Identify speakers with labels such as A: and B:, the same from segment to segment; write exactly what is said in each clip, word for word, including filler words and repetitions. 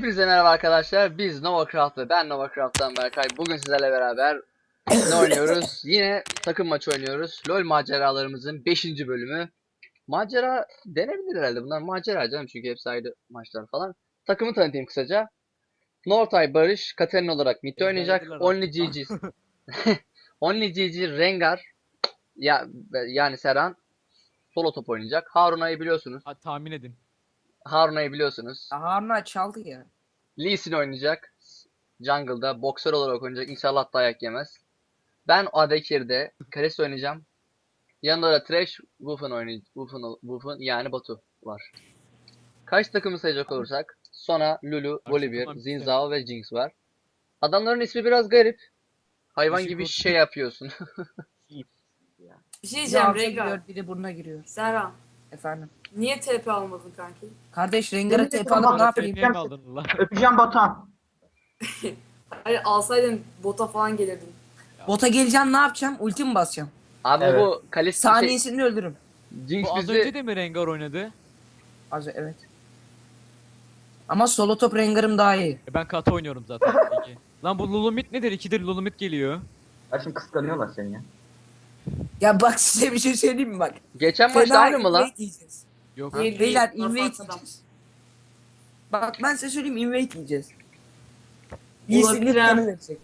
A: Hepinize merhaba arkadaşlar. Biz NovaCraft ve ben NovaCraft'tan Berkay. Bugün sizlerle beraber ne oynuyoruz? Yine takım maçı oynuyoruz. LoL maceralarımızın beşinci bölümü. Macera denebilir herhalde. Bunlar macera canım çünkü hepsi ayrı maçlar falan. Takımı tanıtayım kısaca. Nortay Barış, Katarina olarak mid oynayacak. Only G G Only G G Rengar ya yani Serhan solo top oynayacak. Haruna'yı biliyorsunuz.
B: Ha, tahmin edin.
A: Haruna'yı biliyorsunuz.
C: Harun'a çaldı ya.
A: Lee Sin oynayacak. Jungle'da boksör olarak oynayacak. İnşallah dayak yemez. Ben A D Carry'de Karis oynayacağım. Yanında da Thresh, Wukong oynayacak. Wukong, Wukong yani Batu var. Kaç takımı sayacak olursak Sona, Lulu, Volibear,
B: takımlar
A: Xin
B: bitti.
A: Zhao ve Jinx var. Adamların ismi biraz garip. Hayvan
B: Işık
A: gibi
B: olsun.
A: şey yapıyorsun.
D: Bir şey
C: Biri
D: diyeceğim
C: ağza
D: Rengar.
C: giriyor, biri burnuna giriyor.
D: Serhan,
C: Efendim.
D: niye T P almadın kanki?
C: Kardeş Rengar'a
E: Benim de
C: tep alıp ne
E: tamam,
C: yapayım?
B: Tepeye mi aldın lan?
E: Öpeceğim Batuhan.
D: Hayır alsaydın bota falan gelirdin.
C: Bota geleceğim ne yapacağım? Ulti mi basacağım?
A: Abi
E: Evet.
A: bu Kalis şey,
C: Saniyesini öldürürüm.
A: Jinx
B: Bu az
A: bizi
B: önce de mi Rengar oynadı?
C: Az evet. Ama solo top Rengar'ım daha iyi.
B: E ben kata oynuyorum zaten. Peki. Lan bu Lulumit nedir? İkidir Lulumit geliyor.
E: Ya şimdi kıskanıyorlar seni ya.
C: Ya bak size bir şey söyleyeyim mi bak.
A: geçen maçta aynı mı lan?
C: invade yiyeceğiz.
B: Yok.
D: Değil,
C: Beyler
D: değil,
C: invade
D: farklı adam.
C: yiyeceğiz. Bak ben size söyleyeyim invade yiyeceğiz.
D: Olabilir
C: İyisini
D: ha.
C: kanı verecek.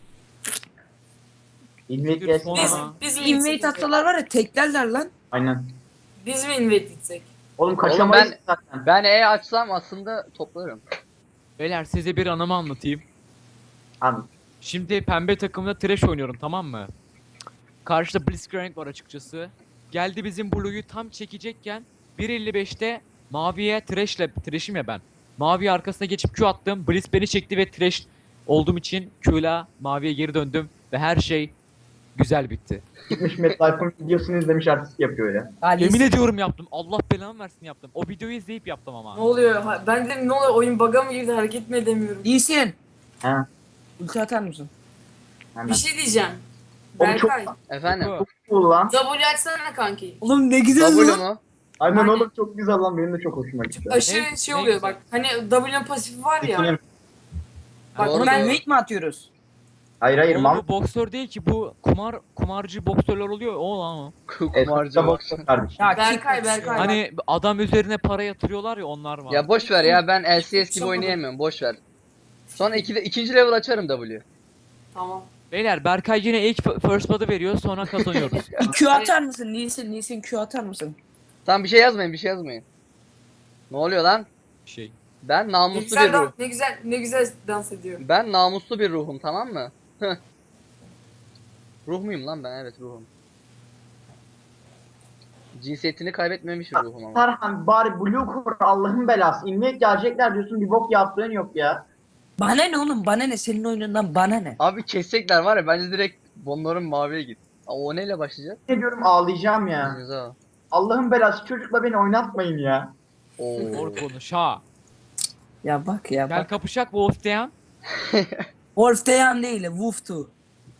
E: İlmek
B: Dur,
E: gelsin.
B: sonra-
D: Biz,
B: Aa.
D: biz mi
C: Invade
D: gitsek?
C: atsalar var ya teklerler lan.
E: Aynen.
D: Biz mi invade gitsek?
E: Oğlum
A: Oğlum
E: kaçamayız
A: ben
E: zaten.
A: ben E açsam aslında toplarım.
B: Beyler size bir anımı anlatayım.
E: Abi
B: Şimdi pembe takımda Thresh oynuyorum, tamam mı? Karşıda Blitzcrank var açıkçası. Geldi bizim Blue'yu tam çekecekken bir elli beşte maviye Thresh'le, Thresh'im ya ben. Mavi arkasına geçip Q attım. Blitz beni çekti ve Thresh olduğum için Q'la maviye geri döndüm ve her şey güzel bitti.
E: gitmiş MetLife'ın videosunu izlemiş artist yapıyor ya.
C: Ali
B: Yemin ediyorum yaptım. Allah belamı versin yaptım. O videoyu izleyip yaptım ama.
D: Ne oluyor? Ha, ben dedim ne oluyor? Oyun bug'a mı girdi? Hareket mi edemiyorum?
C: İyisin.
E: He.
C: Ulti atar mısın?
E: Hemen.
D: Bir şey diyeceğim.
E: Oğlum çok
D: Berkay,
A: Efendim?
B: Yok.
E: cool lan.
D: W açsana kanki.
C: Oğlum ne güzel
A: W
C: lan.
A: mu?
E: Aynen
D: Aynen.
E: oğlum çok güzel lan benim de çok hoşuma gitti.
D: Aşırı
B: Ne-
D: şey
B: ne
D: oluyor
B: güzel.
D: bak. Hani W'nin pasifi var ya.
E: Dikinin-
D: Bak
A: Doğru,
C: Oğlum
D: ben
C: invade mi atıyoruz?
E: Hayır hayır
B: Oğlum
E: mam.
B: bu boksör değil ki, bu kumar kumarcı boksörler oluyor. O lan o.
A: Kumarcı bak.
E: kardeşim.
C: Ya
D: Berkay,
C: kick
D: Berkay.
C: atıyor.
B: Hani adam üzerine para yatırıyorlar ya, onlar var.
A: Ya boş ver ya, ben L C S gibi
D: Yapamadım.
A: oynayamıyorum, boş ver. Sonra iki, ikinci level açarım W.
D: Tamam.
B: Beyler Berkay yine ilk f- first blood'ı veriyor, sonra kazanıyoruz.
C: Bir Q atar mısın? Nisin, Nisin Q atar mısın?
A: Tamam, bir şey yazmayın, bir şey yazmayın. Ne oluyor lan?
B: şey.
A: Ben
D: Ne
A: namuslu bir
D: güzel,
A: ruh.
D: dans, ne güzel ne güzel dans ediyor.
A: Ben namuslu bir ruhum, tamam mı? Heh. Ruh muyum lan ben? Evet, ruhum. Cinsiyetini kaybetmemiş bir ruhum ama.
E: Serhan bari Blue Core Allah'ın belası. İlmek gelecekler diyorsun bir bok yaptığın yok ya.
C: Bana ne oğlum? Bana ne? Senin oyunundan bana ne?
A: Abi kesecekler var ya, bence direkt bonların maviye git. Aa, o neyle başlayacak?
E: Ne diyorum ağlayacağım ya.
A: Güzel.
E: Allah'ın belası çocukla beni oynatmayın ya.
A: Oo.
B: Doğru konuş ha.
C: Ya bak ya
B: Gel
C: bak.
B: kapışak Wolf'teyan.
C: Wolf'teyan değil, Wolf'tu.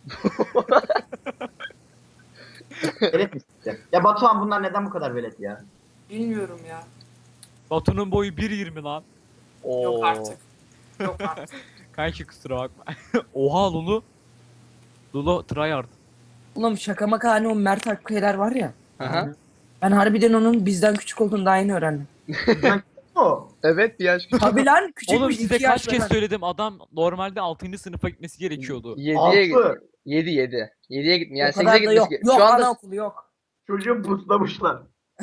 E: Velet mi size? Ya Batuhan bunlar neden bu kadar velet ya?
D: Bilmiyorum ya.
B: Batu'nun boyu bir yirmi lan.
A: Oo.
D: Yok artık. Yok artık.
B: Kanki kusura bakma. Oha Lulu. Lulu tryhard.
C: Oğlum şaka maka hani o Mert Akkaya'lar var ya.
A: Aha.
C: Ben harbiden onun bizden küçük olduğunu daha yeni öğrendim.
E: O.
A: Evet, bir yaş küçük.
C: Tabii lan küçükmüş.
B: Oğlum size
C: iki
B: kaç
C: yaş
B: kez
C: falan.
B: söyledim, adam normalde altıncı sınıfa gitmesi gerekiyordu.
A: yediye git.
E: Altı.
A: yedi yedi. yediye gitmiyor. Yani
C: O kadar
A: sekize
C: da yok.
A: gitmesi
C: Yok
A: Şu anda
C: anaokulu yok.
E: Çocuğu buslamışlar.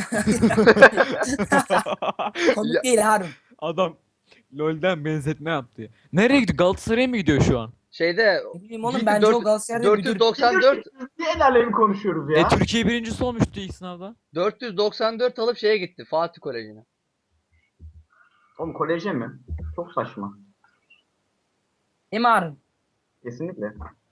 C: Komik
A: Ya-
C: değil Harun.
B: Adam LoL'den benzetme yaptı. Nereye gidiyor? Galatasaray'a mı gidiyor şu an?
A: şeyde
C: Ne bileyim oğlum
A: Ciddi
C: bence
A: dört-
C: o Galatasaray'da müdür.
A: dört yüz doksan dört
E: Niye el alemi konuşuyoruz ya?
B: E Türkiye birincisi olmuştu ilk sınavda.
A: dört yüz doksan dört alıp şeye gitti. Fatih Koleji'ne.
E: Oğlum koleje mi? Çok saçma.
C: Değil mi Harun?
E: Kesinlikle.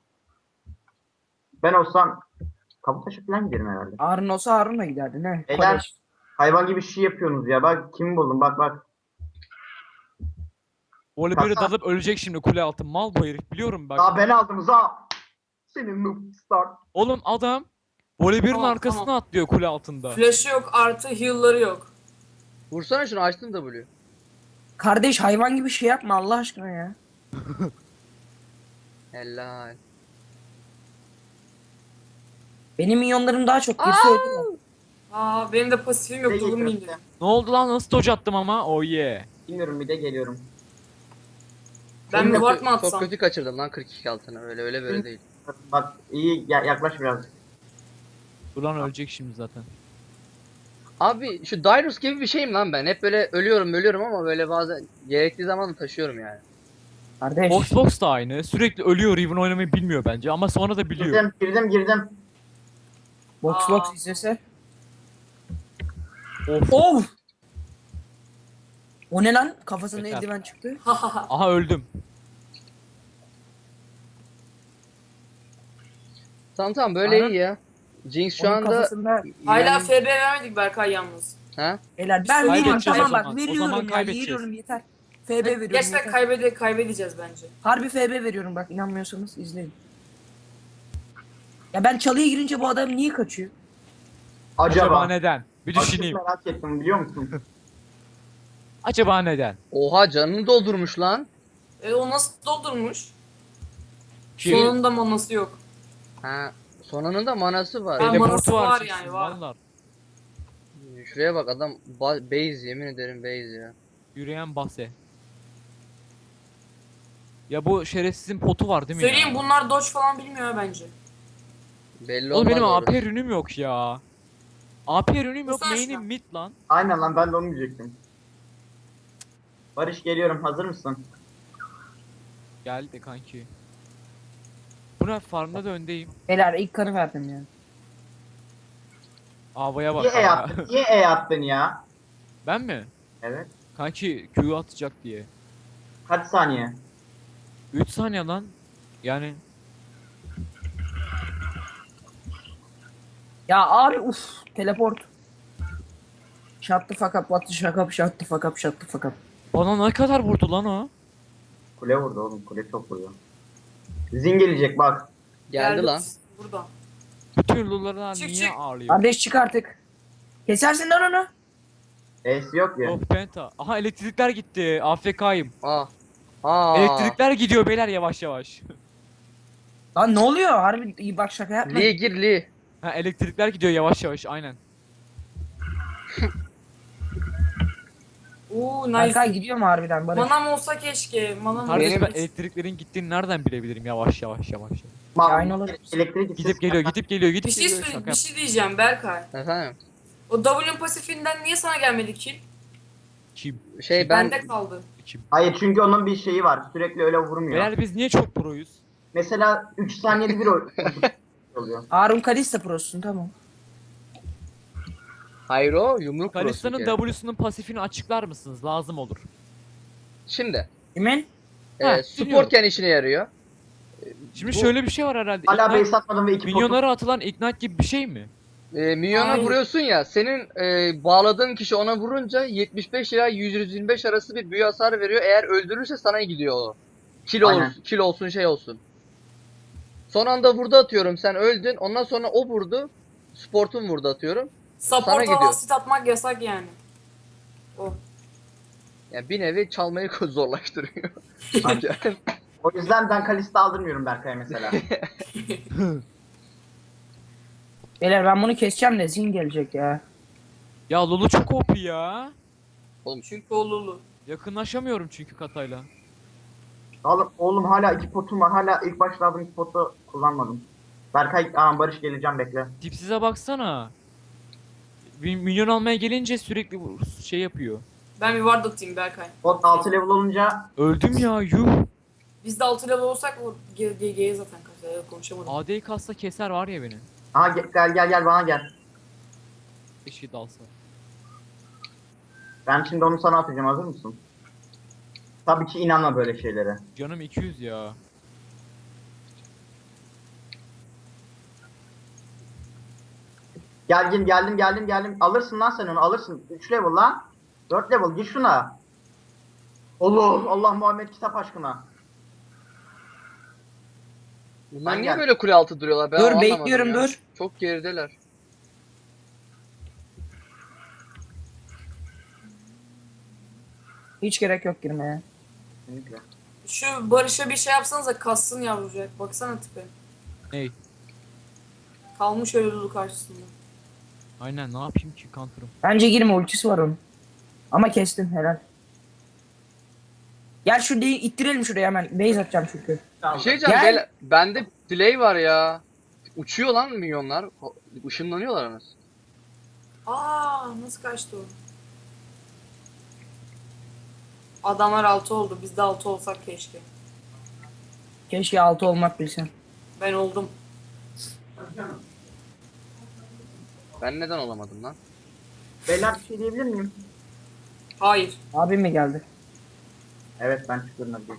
E: Ben olsam Kabutaş'a falan giderim herhalde.
C: Harun olsa Harun'la giderdi ne?
E: Beyler.
C: Kolej.
E: Hayvan gibi şey yapıyorsunuz ya. Bak kimi buldum bak bak.
B: Volibear'ı
E: Kasa.
B: dalıp ölecek şimdi kule altı. Mal bu herif, biliyorum bak.
E: Daha ben aldım za. Senin noob start.
B: Oğlum adam Volibear'ın
D: Tamam,
B: arkasına
D: tamam.
B: atlıyor kule altında.
D: Flash'ı yok artı heal'ları yok.
A: Vursana şunu, açtım W.
C: Kardeş hayvan gibi şey yapma Allah aşkına ya.
A: Helal.
C: Benim minyonlarım daha çok girse öldürür.
D: Aa benim de pasifim yok.
E: Ne
D: Tulum
E: geliyorum
D: indim.
B: Ne oldu lan, nasıl dodge attım ama, oh yeah.
E: Bilmiyorum bir de geliyorum.
D: Ben
A: Çok
D: bir
A: kötü-
D: ward mı
A: Çok
D: atsam?
A: kötü kaçırdım lan kırk iki altını. Öyle öyle böyle değil.
E: Bak iyi ya- yaklaş biraz.
B: Dur lan, ölecek şimdi zaten.
A: Abi şu Dyrus gibi bir şeyim lan ben. Hep böyle ölüyorum ölüyorum ama böyle bazen gerektiği zaman da taşıyorum yani.
C: Kardeş.
B: Box Box da aynı. Sürekli ölüyor, Riven oynamayı bilmiyor bence ama sonra da biliyor.
E: Girdim girdim girdim.
C: Box
D: Aa.
C: box izlese.
B: Of.
C: Of. O ne lan? Kafasına
B: Yeter.
C: eldiven çıktı.
B: Aha öldüm.
A: Tamam tamam böyle
C: Aynen.
A: iyi ya. Jinx şu
C: Onun
A: anda
C: kafasında
D: Hala
A: yani-
D: F B vermedik Berkay yalnız.
A: ha?
C: Beyler ben
D: Kaybedeceğiz
C: veriyorum
B: o
C: tamam
B: zaman.
C: bak
B: O
C: veriyorum
B: zaman
C: ya
B: kaybedeceğiz.
C: veriyorum yeter. F B veriyorum
D: Gerçekten
C: yeter.
D: kaybede kaybedeceğiz bence.
C: Harbi F B veriyorum bak inanmıyorsanız izleyin. Ya ben çalıya girince bu adam niye kaçıyor?
B: Acaba,
E: Acaba.
B: neden? Bir
E: Aşırı
B: düşüneyim.
E: merak ettim biliyor musun?
B: Acaba neden?
A: Oha canını doldurmuş lan.
D: E o nasıl doldurmuş?
B: Kim?
D: Sonunda manası yok.
A: Ha. Sonanın da manası var.
D: Ha,
B: Teleportu
D: manası var
B: çıksın,
D: yani, var.
B: vallahi.
A: Şuraya bak adam ba- base yemin ederim base ya.
B: Yürüyen bahse. Ya bu şerefsizin potu var değil mi
D: Söyleyeyim
B: ya?
D: bunlar dodge falan bilmiyor ha bence.
A: Belli
B: Oğlum
A: olmaz
B: benim
A: orası.
B: A P ürünüm yok ya. A P ürünüm yok,
D: Kusura
B: main'im
D: şuna.
B: mid lan.
E: Aynen lan ben de onu diyecektim. Barış geliyorum hazır mısın?
B: Geldi kanki. Buna farmda da öndeyim.
C: Beyler ilk kanı verdim ya.
B: Havaya bak
E: Niye E
B: havaya.
E: attın? Niye E attın ya?
B: Ben mi?
E: Evet.
B: Kanki Q atacak diye.
E: Kaç saniye?
B: üç saniye lan. Yani
C: Ya abi uf teleport. Shut the fuck up, what the fuck up, shut the fuck up, shut the fuck up.
B: bana ne kadar vurdu lan o?
E: Kule vurdu oğlum. Kule çok vuruyor. Zin gelecek bak.
A: Geldi lan.
D: Burada.
B: Bütün lullarlar
D: Çık,
B: niye
D: çık.
B: ağrıyor?
C: Kardeş çık artık. Kesersin lan onu.
E: E'si yok ya.
B: Of penta. Aha elektrikler gitti. A F K'yim.
A: Aa. Aa.
B: Elektrikler gidiyor beyler yavaş yavaş.
C: Lan ne oluyor? Harbi iyi bak şaka yapma.
A: Lee gir Lee.
B: Ha elektrikler gidiyor yavaş yavaş aynen.
D: Oo
C: Berkay
D: nice.
C: gidiyor mu harbiden Barış?
D: Manam olsa keşke. Manam
B: Kardeş
A: Benim-
B: ben elektriklerin gittiğini nereden bilebilirim yavaş yavaş yavaş.
E: Bak,
C: aynı olabilir.
E: elektrik gitsin.
B: Gidip geliyor gidip geliyor gidip
D: Bir şey,
B: geliyor.
D: söyle-
B: Şaka
D: bir
B: yap.
D: şey diyeceğim Berkay.
A: Efendim.
D: O W'nin pasifinden niye sana gelmedi kill?
B: Kim?
A: Şey ben
D: Bende kaldı.
B: Kim?
E: Hayır çünkü onun bir şeyi var. Sürekli öyle vurmuyor.
B: Beyler biz niye çok proyuz?
E: Mesela üç saniyede bir oy- oluyor.
C: Harun Kalista prosun tamam.
A: hayır o yumruk
B: Kalista'nın
A: cross'u ki.
B: W'sunun pasifini açıklar mısınız? Lazım olur.
A: Şimdi.
C: Kimin?
A: E,
B: Ha, dinliyorum.
A: supportken işine yarıyor.
B: Şimdi
A: Bu-
B: şöyle bir şey var herhalde.
E: Hala
B: Ignite-
E: base atmadım ve iki potu.
B: minyonlara atılan ignite gibi bir şey mi?
A: E, minyona
D: Hayır.
A: vuruyorsun ya senin e, bağladığın kişi ona vurunca yetmiş beş ila yüz yirmi beş arası bir büyü hasarı veriyor. Eğer öldürürse sana gidiyor o. Kill, olur,
E: Aynen.
A: kill olsun şey olsun. Son anda vurdu atıyorum sen öldün. Ondan sonra o vurdu. Sport'un vurdu atıyorum. Sana
D: Support
A: gidiyor.
D: falan sit atmak yasak yani. O.
A: Yani bir nevi çalmayı zorlaştırıyor. Yani
E: O yüzden ben Kalista aldırmıyorum Berkay'a mesela.
C: Beyler ben bunu keseceğim de zin gelecek ya.
B: Ya Lulu çok O P ya.
D: Çünkü o Lulu.
B: Yakınlaşamıyorum çünkü katayla.
E: oğlum, oğlum hala iki potum var. Hala ilk başta aldığım iki potu kullanmadım. Berkay, aa Barış geleceğim bekle.
B: Tipsize baksana. Bir minyon almaya gelince sürekli bu- şey yapıyor.
D: Ben bir ward atayım Berkay.
E: Bot altı level olunca
B: Öldüm ya yuh.
D: Biz de altı level olsak o G G'ye zaten kaçar. Konuşamadım.
B: A D'yi kassa keser var ya beni.
E: aha ge- gel gel gel bana gel.
B: Keşke dalsa.
E: Ben şimdi onu sana atacağım hazır mısın? Tabii ki inanma böyle şeylere.
B: Canım iki yüz ya.
E: Gel gel geldim geldim geldim. Alırsın lan sen onu alırsın. üç level lan. dört level gir şuna. Allah Allah Muhammed kitap aşkına.
A: bunlar
E: Ben
A: niye
E: gel.
A: böyle kule altı duruyorlar? Ben
C: dur
A: anlamadım
C: bekliyorum
A: ya.
C: dur.
A: Çok gerideler.
C: Hiç gerek yok girmeye.
E: Kesinlikle.
D: Şu Barış'a bir şey yapsanıza kassın yavrucak. Baksana tipe.
B: Ney?
D: Kalmış öyle Lulu karşısında.
B: Aynen ne yapayım ki counter'ım.
C: Bence girme, ultisi var onun. Ama kestin helal. Gel şu deyi ittirelim şuraya hemen. Base atacağım çünkü.
A: Bir şey diyeceğim.
C: Gel.
A: beyler, bende delay var ya. Uçuyor lan milyonlar. Işınlanıyorlar anasını.
D: Aa nasıl kaçtı o? Adamlar altı oldu. Biz de altı olsak keşke.
C: Keşke altı olmak bilsen.
D: Ben oldum.
A: Ben neden olamadım lan?
E: Beyler bir şey diyebilir miyim?
D: Hayır.
C: Abim mi geldi?
E: Evet ben çıkıyorum hadi.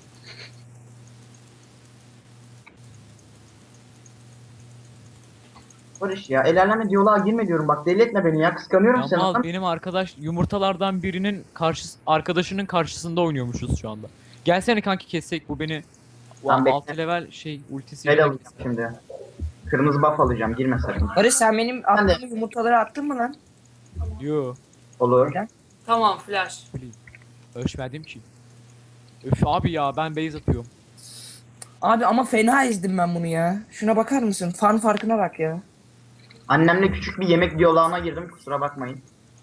E: Barış ya el aleme diyaloğa girme diyorum bak deli etme beni ya kıskanıyorum
B: Ya
E: seni.
B: mal
E: lan.
B: benim arkadaş yumurtalardan birinin karşı arkadaşının karşısında oynuyormuşuz şu anda. Gelsene kanki kessek bu beni
E: Tamam, bekle.
B: altı level şey ultisi
E: El
B: yerine
E: alacağım
B: kesse.
E: şimdi. Kırmızı buff alacağım girme sakın.
C: Barış sen benim
E: Ben de.
C: attığım yumurtaları attın mı lan?
B: Yo.
E: Olur.
D: Tamam flash.
B: Ölçmedim ki. Öf abi ya ben base atıyorum.
C: Abi ama fena ezdim ben bunu ya. Şuna bakar mısın? Fan farkına bak ya.
E: Annemle küçük bir yemek diyaloğuna girdim kusura bakmayın.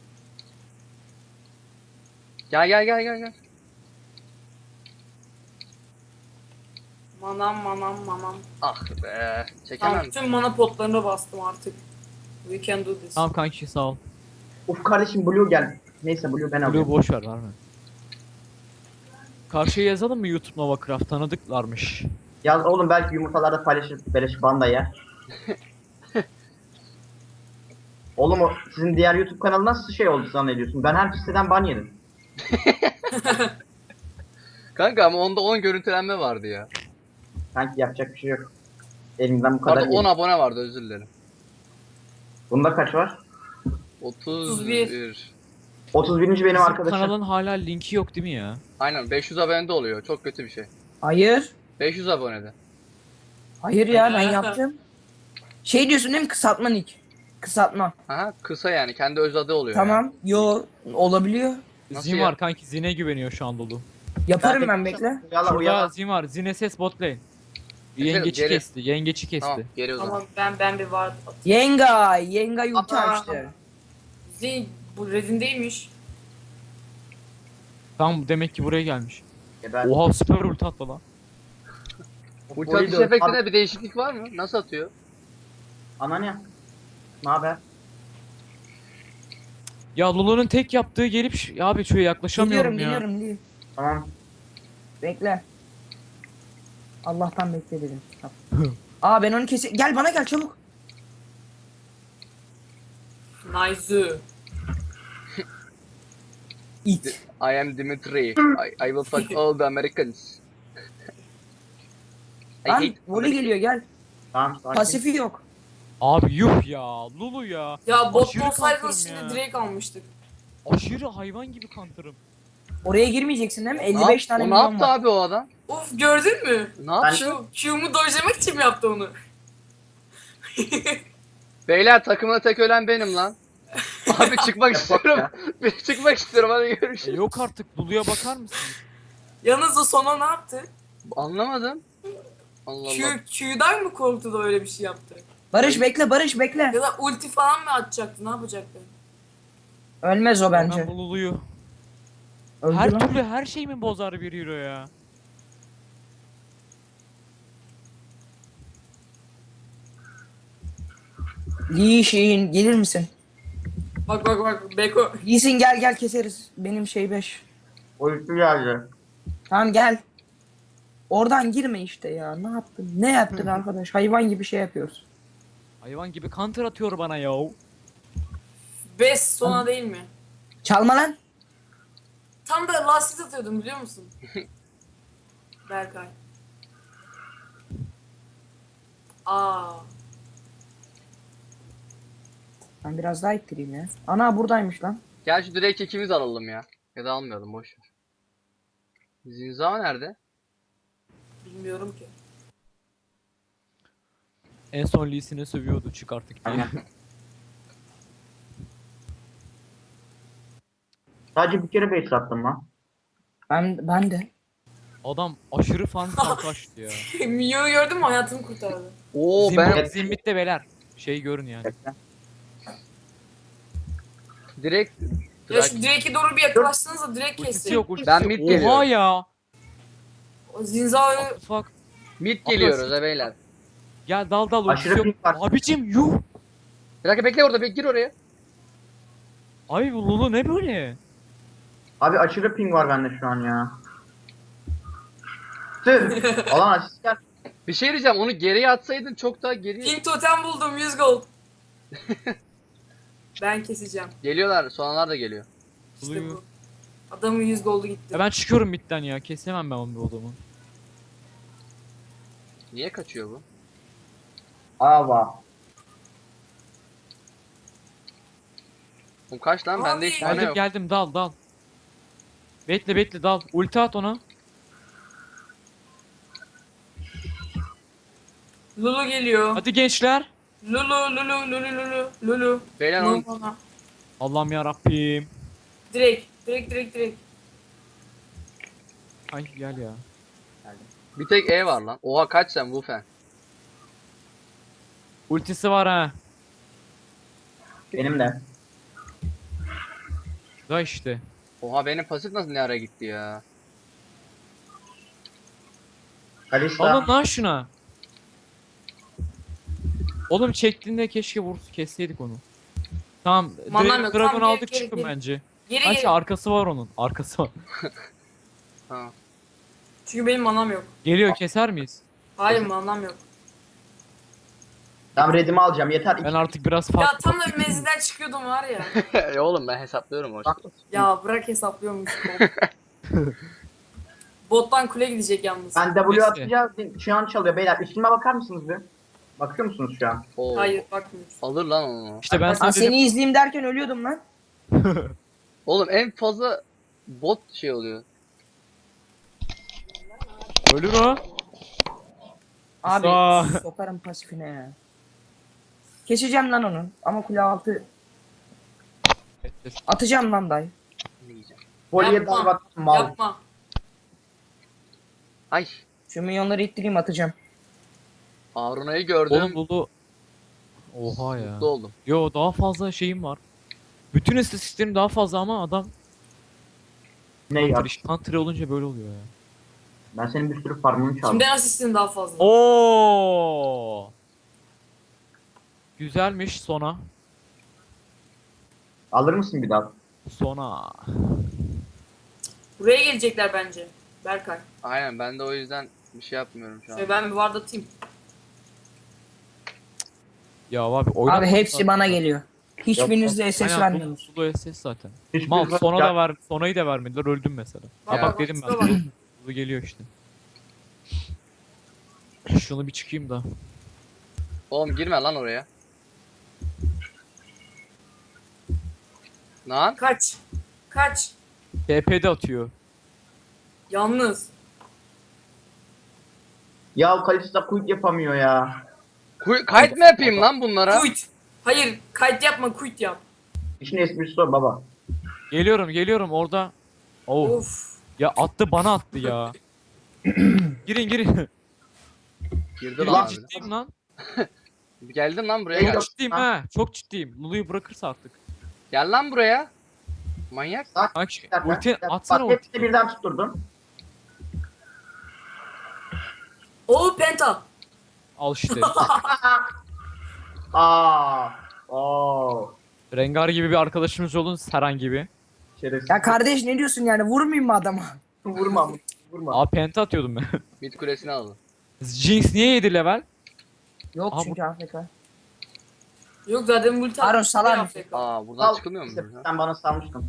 A: Gel gel gel gel gel.
D: Manam manam manam.
A: Ah be.
D: Tamam
A: Çekemem.
D: bütün mana potlarına bastım artık. We can do this.
B: Tamam kanki sağ ol.
E: Uf kardeşim Blue gel. Neyse Blue ben
B: Blue
E: alıyorum.
B: boş ver var mı? Karşıya yazalım mı YouTube Novacraft tanıdıklarmış.
E: Yaz oğlum belki yumurtalarda paylaşır beleş banda yer. Oğlum o sizin diğer YouTube kanalı nasıl şey oldu zannediyorsun? Ben her siteden ban yedim.
A: Kanka ama onda on görüntülenme vardı ya.
E: Sanki yapacak bir şey yok. Elimden bu kadar
A: Pardon on
E: iyi.
A: abone vardı, özür dilerim.
E: Bunda kaç var?
A: otuz bir.
E: otuz birinci benim
B: Bizim
E: arkadaşım.
B: kanalın hala linki yok değil mi ya?
A: Aynen beş yüz abonede oluyor. Çok kötü bir şey.
C: Hayır.
A: beş yüz abonede.
C: Hayır ya ben yaptım. Şey diyorsun değil mi? Kısaltma nick. Kısaltma.
A: Aha kısa yani kendi öz adı oluyor.
C: Tamam. Yo olabiliyor.
A: Nasıl
B: Zin
A: ya?
B: var kanki Zin'e güveniyor şu an dolu.
C: Yaparım ben bekle.
E: Uyala
B: Şurada
E: uyala.
B: Zin var. Zin S S bot lane.
A: Geri-
B: Yengeçi
A: geri.
B: kesti. Yengeçi kesti.
A: Tamam geri o zaman.
D: Tamam ben ben bir var.
C: Yenga. Yenga ulti
E: Aa.
C: açtı.
D: Zin bu redin değilmiş.
B: Tamam demek ki buraya gelmiş.
E: Geber.
B: Oha süper ulti attı lan.
A: Ulti
E: Orayı
A: atış
E: da-
A: efektinde bir değişiklik var mı? Nasıl atıyor?
E: Ana ne? Ne haber?
B: Ya Lulu'nun tek yaptığı gelip ş- ya abi şöyle yaklaşamıyorum
C: Geliyorum
B: ya.
C: geliyorum değil.
E: Tamam.
C: Bekle. Allah'tan bekle dedim. Tamam. Aa ben onu kese... Gel bana gel çabuk.
D: Nice.
C: İt.
A: I am Dimitri. I, I will fuck all the Americans. I
C: Lan
A: hate
C: voley geliyor gel.
E: Tamam sakin.
C: Pasifi yok.
B: Abi yuh ya Lulu ya.
D: Ya bot
B: Aşırı
D: olsaydınız
B: counter'ım
D: şimdi
B: ya.
D: direkt almıştık.
B: Aşırı hayvan gibi counter'ım.
C: Oraya girmeyeceksin değil mi?
A: Ne,
C: elli beş
A: yap-
C: tane
A: o ne
C: milyon
A: yaptı
C: var.
A: abi o adam?
D: Of gördün mü?
A: Ne yaptı?
D: Q, Q'mu dojlamak için mi yaptı onu?
A: Beyler takımda tek ölen benim lan. Abi çıkmak
E: Yapma
A: istiyorum.
E: ya.
A: Bir çıkmak istiyorum hadi
B: E,
A: görüşürüz.
B: yok artık Lulu'ya bakar mısın?
D: Yalnız o sona ne yaptı?
A: Anlamadım. Allah Allah.
D: Q, Q'dan mı korktu da öyle bir şey yaptı?
C: Barış bekle Barış bekle.
D: Ya da ulti falan mı atacaktı? Ne yapacaktı?
C: Ölmez o
B: Ben
C: bence.
B: bu Lulu'yu.
C: Öldü
B: Her
C: lan.
B: türlü her şey mi bozar bir hero ya?
C: Lee Shin gelir misin?
D: Bak bak bak Beko.
C: Lee Sin gel gel keseriz. Benim şey beş.
E: Uyku geldi.
C: Tamam gel. Oradan girme işte ya. Ne yaptın? Ne yaptın arkadaş? Hayvan gibi şey yapıyoruz.
B: Hayvan gibi counter atıyor bana ya.
D: Best sona değil mi?
C: Çalma lan.
D: Tam da lastik atıyordum biliyor musun? Berkay. Aa.
C: Ben biraz daha ittireyim ya. Ana buradaymış lan.
A: Gel şu direkt ikimiz alalım ya. Ya da almayalım boş ver. Zinza nerede?
D: Bilmiyorum ki.
B: En son Lee Sin'e sövüyordu çık artık diye.
E: Aynen. Sadece bir kere base attım lan.
C: Ben ben de.
B: Adam aşırı fan kaçtı ya.
D: Miyo'yu gördün mü? Hayatımı kurtardı.
A: Oo
B: Zimbit,
A: ben
B: Zimbit'te beyler. Şey görün yani.
A: direkt
D: Ya şu Drake'e doğru bir yaklaşsanız da Drake
B: Ultisi
D: kesti.
B: yok ultisi
A: Ben
B: yok.
A: mid
B: Oha
A: geliyorum.
B: ya.
D: O Zinza'yı
B: What the fuck.
A: mid geliyoruz ha beyler.
B: Gel dal dal ultisi
E: Aşırı
B: yok.
E: ping var.
B: Abicim yuh.
A: Bir dakika bekle orada, bir gir oraya.
B: Abi bu Lulu ne böyle?
E: Abi aşırı ping var bende şu an ya. Tüh. Alan asist gel.
A: Bir şey diyeceğim, onu geriye atsaydın çok daha geri
D: Pink totem buldum yüz gold. Ben keseceğim.
A: geliyorlar. Sonralar da geliyor.
D: İşte
B: Buluyor.
D: bu. Adamın yüz goldu gitti.
B: Ya ben çıkıyorum midden ya. Kesemem ben onu bu adamı.
A: Niye kaçıyor bu?
E: Ava.
A: Oğlum kaç lan, bende
D: Abi.
A: hiç mana
B: Geldim
A: yok.
B: geldim dal dal. Bekle bekle dal. Ulti at ona.
D: Lulu geliyor.
B: Hadi gençler.
D: Lulu Lulu Lulu Lulu Lulu.
A: Beyler
D: No,
A: onun
D: no, no.
B: Allah'ım ya Rabbim.
D: Direkt direkt direkt direkt.
B: Ay gel ya.
A: bir tek E var lan. Oha kaç sen bu fen.
B: Ultisi var ha.
E: Benim de.
B: Da işte.
A: Oha benim pasif nasıl ne ara gitti ya.
E: Kalista.
B: Alın lan şuna. Oğlum çektiğinde keşke vur kesseydik onu. Tamam.
D: Manam
B: Dragon,
D: yok,
B: Dragon
D: tamam,
B: aldık
D: geri,
B: çıkın
D: geri.
B: bence.
D: Geri
B: Kaç
D: geri.
B: arkası var onun. Arkası var.
A: Ha.
D: Çünkü benim manam yok.
B: Geliyor keser miyiz?
D: Hayır manam yok.
E: Tamam redimi alacağım yeter.
B: Ben artık biraz
D: Ya
B: farklı.
D: tam da bir menzilden çıkıyordum var ya.
A: E oğlum ben hesaplıyorum o
E: Bak.
D: Ya bırak hesaplıyormuş. Bottan kule gidecek yalnız.
E: Ben W
B: Neyse.
E: atacağız. Şu an çalıyor beyler. Üstüme bakar mısınız bir? Bakıyor musunuz şu an?
A: Oo.
D: Hayır bakmıyoruz.
A: Alır lan onu.
B: İşte ben
C: Lan
B: sana dedim.
C: seni izleyeyim derken ölüyordum lan.
A: Oğlum en fazla bot şey oluyor.
B: Ölür o.
C: Abi
B: Sağ-
C: sokarım pasifine ya. Keseceğim lan onu ama kule altı atacağım lan dayı.
A: Ne diyeceğim?
E: Voleye
D: Yapma.
E: dive attım mal.
D: Yapma.
A: Ay.
C: Şu milyonları ittireyim atacağım.
A: Aruna'yı gördüm.
B: Oğlum buldu. Oha ya.
A: Mutlu oldum.
B: Yo daha fazla şeyim var. Bütün istatistiklerim daha fazla ama adam
E: Ne ya?
B: Hunter, Hunter olunca böyle oluyor ya.
E: Ben senin bir sürü farmını çaldım.
D: Kimden asistin daha fazla?
B: Oo. Güzelmiş sona.
E: Alır mısın bir daha?
B: Sona.
D: Buraya gelecekler bence. Berkay.
A: Aynen, ben de o yüzden bir şey yapmıyorum şu an.
D: Şöyle ben bir ward atayım.
B: Ya abi oyna.
C: Abi hepsi bana geliyor. Hiçbirinizde S S
B: Aynen
C: vermiyorsunuz.
B: Sulu S S zaten.
E: Hiçbir
B: Mal
E: fa-
B: sona
E: Ya-
B: da ver, sonayı da vermediler öldüm mesela.
D: Bak,
B: Ha
D: bak,
B: bak dedim
D: bak,
B: ben.
D: bak.
B: Sulu geliyor işte. Şunu bir çıkayım da.
A: Oğlum girme lan oraya. Lan.
D: Kaç. Kaç.
B: T P'de atıyor.
D: Yalnız.
E: Ya Kalista quit yapamıyor ya.
A: Kuy- Kayıt mı yapayım lan bunlara?
D: Quit. Hayır. Kayıt yapma. Quit yap.
E: İşin esprisi o baba.
B: Geliyorum geliyorum orada. Oh.
D: Of.
B: Ya attı bana attı ya. girin girin.
A: Girdi
B: Çok
A: lan abi.
B: ciddiyim lan.
A: Geldin lan buraya
E: Yok.
A: gel.
B: Çok ciddiyim ha. Çok ciddiyim. Lulu'yu bırakırsa artık.
A: Gel lan buraya. Manyak.
E: Bak,
B: Bak
E: bir dakika,
B: ulti
E: bir dakika.
B: atsana
E: Bak
B: ulti.
E: hepsini birden tutturdum.
D: Oo penta.
B: Al işte.
E: Aa. Oo.
B: Rengar gibi bir arkadaşımız olun Seren gibi.
E: Şerefsiz.
C: Ya kardeş ne diyorsun yani vurmayayım mı adama?
E: Vurma. Vurma.
B: Aa penta atıyordum ben.
A: Mid kulesini aldı.
B: Jinx niye yedi level?
C: Yok
B: Aha,
C: çünkü Afrika.
D: Yok zaten multi
C: Harun, salar mısın?
A: Aa buradan
E: Al,
A: çıkılmıyor mu?
E: işte
A: buradan?
E: Sen bana salmıştın.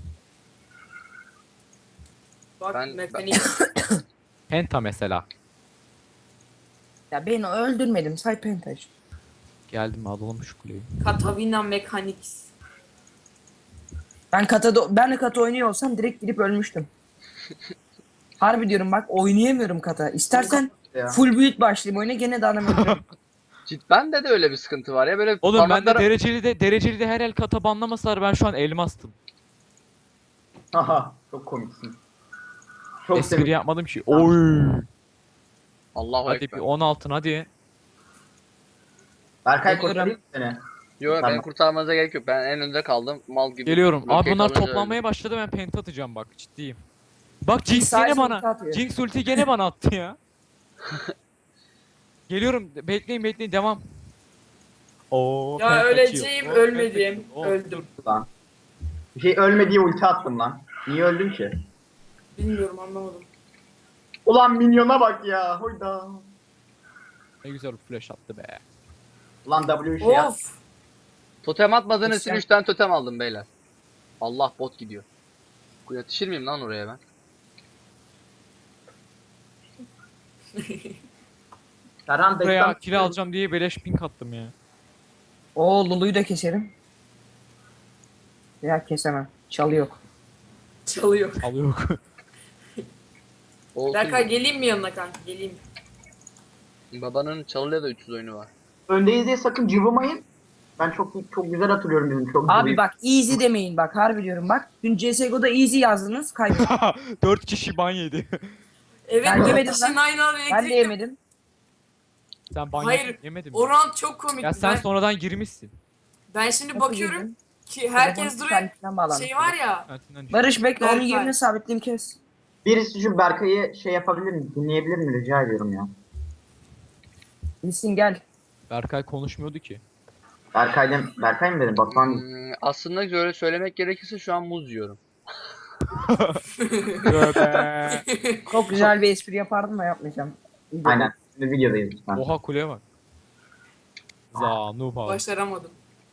D: Bak
A: Ben-
D: mekanik.
B: Penta mesela.
C: Ya beni öldürmedim say pentaj.
B: Geldim alalım şu kuleyi.
D: Katavina Mechanics.
C: Ben kata ben de kata oynuyor olsam direkt gidip ölmüştüm. Harbi diyorum bak oynayamıyorum kata. İstersen
E: Ya.
C: full build başlayayım oyuna gene de adam öldürürüm.
A: Cidden de de öyle bir sıkıntı var ya, böyle
B: Oğlum ben de
A: parmaklara-
B: dereceli de dereceli de her el kata banlamasalar ben şu an elmastım.
E: Haha. Çok komiksin. Çok
B: Espri
E: sevindim.
B: yapmadım ki. Oy.
A: Allahu
B: Hadi bir
A: ekber.
B: on altın hadi.
E: Berkay
C: Bekliyorum.
E: kurtarayım mı seni?
A: Yo beni
E: Tamam.
A: kurtarmanıza gerek yok. Ben en önde kaldım. Mal gibi.
B: Geliyorum. Abi
A: roket
B: bunlar
A: alınca
B: toplanmaya
A: öldüm.
B: başladı, ben penta atacağım bak, ciddiyim. Bak Jinx
C: Sayesinde
B: gene bana.
C: ulti atıyor.
B: Jinx ulti gene bana attı ya. Geliyorum. Bekleyin bekleyin, devam. Oo,
D: Ya
B: penta
D: öleceğim,
B: atıyor. Oo,
D: ölmedim.
B: penta atıyor. Oo,
D: Öldüm.
E: Lan. Bir şey ölme diye ulti attım lan. Niye öldüm ki?
D: Bilmiyorum, anlamadım.
E: Ulan minyona bak ya. Hoyda.
B: Ne güzel flash attı be.
E: Ulan W şey yap.
D: Of.
A: Totem atmadığınız için
C: Sen-
A: üç tane totem aldım beyler. Allah bot gidiyor. Yetişir miyim lan oraya ben?
E: Serhan
B: Buraya
E: destan.
B: kill alacağım diye beleş pink attım ya.
C: Oo Lulu'yu da keserim. Ya kesemem. Çalı yok.
D: Çalıyor.
B: Alıyor.
A: Olsun.
D: Berkay geleyim mi yanına kanka? Geleyim.
A: Babanın çalıyla da üç yüz oyunu var.
E: Öndeyiz diye sakın cıvımayın. Ben çok çok güzel hatırlıyorum bizim çok
C: Abi
E: cıvıyı.
C: bak easy demeyin bak harbi diyorum bak. Dün C S G O'da easy yazdınız kaybettim.
B: Dört kişi ban yedi.
D: Evet,
C: Ben
D: dört
C: yemedim
D: kişinin
C: lan.
D: aynı anda
C: Ben de
D: elektrikle.
C: yemedim.
B: Sen ban
D: Hayır,
B: yedin, yemedin mi?
D: O round çok komikti.
B: Ya sen
D: ben,
B: sonradan girmişsin.
D: ben şimdi
C: Nasıl
D: bakıyorum
C: girdin?
D: ki herkes
C: Telefon
D: duruyor.
C: internetinden bağlanmış.
D: Şey var ya.
B: Ertinden
C: Barış bekle onun
D: Berkay.
C: yerini sabitleyeyim kes.
E: Birisi şu Berkay'ı şey yapabilir mi? Dinleyebilir mi? Rica ediyorum ya.
C: Bilsin gel.
B: Berkay konuşmuyordu ki.
E: Berkay'dan Berkay mı dedim? Batuhan değil.
A: Hmm, aslında böyle söylemek gerekirse şu an muz yiyorum.
B: Tövbe.
C: Çok güzel bir espri yapardım da yapmayacağım. İyi de-
E: Aynen. Şimdi videodayız lütfen.
B: Oha kuleye bak. Za noob abi.
D: Başaramadım.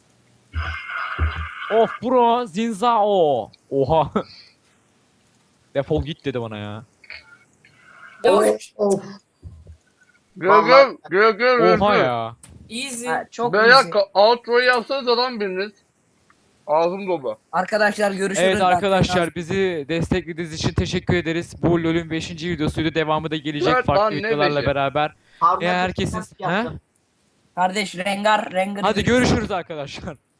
B: Of bro zinzao. Oha. Defol git dedi bana ya.
E: Of of.
A: Gel
E: Vallahi-
A: gel gel gel.
B: Oha ya.
D: Easy.
C: Ha, çok
A: Beyler
C: easy.
A: ka- outro'yu yapsanız adam biriniz. Ağzım dolu.
C: Arkadaşlar görüşürüz.
B: Evet
C: Ben-
B: arkadaşlar, bizi desteklediğiniz için teşekkür ederiz. Bu LoL'ün beşinci videosuydu. Devamı da gelecek
A: Evet lan,
B: farklı
A: ne
B: videolarla
A: beşi?
B: beraber.
E: Harun
B: Ya
E: Akın
B: herkesin...
E: mask
B: He?
E: yaptı.
C: Kardeş Rengar Rengar.
B: Hadi görüşürüz arkadaşlar.